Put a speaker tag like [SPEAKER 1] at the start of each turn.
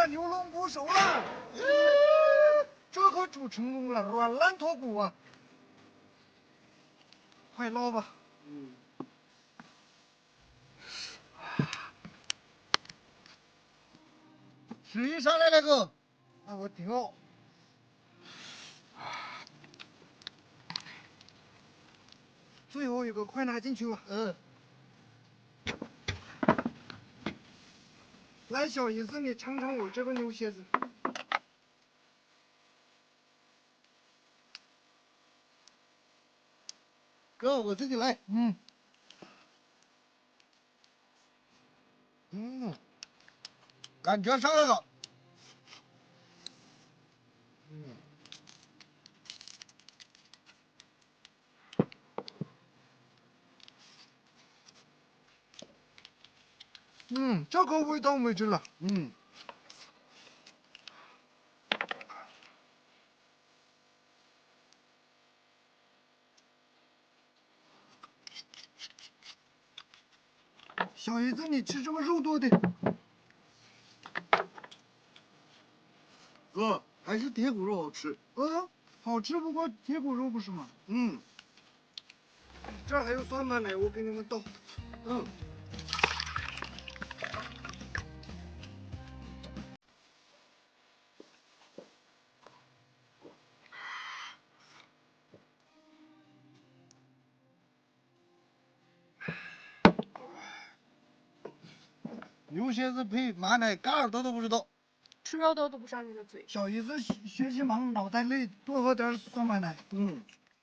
[SPEAKER 1] 了，牛龙不熟了。这可煮成功了，软烂脱骨啊！快捞吧。水上来了个，那我调。最后一个，快拿进去吧。来，小姨子，你尝尝我这个牛蝎子。哥，我自己来。感觉上来了。这个味道没劲了。小姨子，你吃这个肉多的。哥，还是铁骨肉好吃。好吃不过铁骨肉不是吗？这儿还有蒜瓣呢，我给你们倒。牛蝎子配马奶，嘎耳朵都不知道。
[SPEAKER 2] 吃肉都堵不上你的嘴。
[SPEAKER 1] 小姨子学习忙，脑袋累，多喝点蒜瓣奶。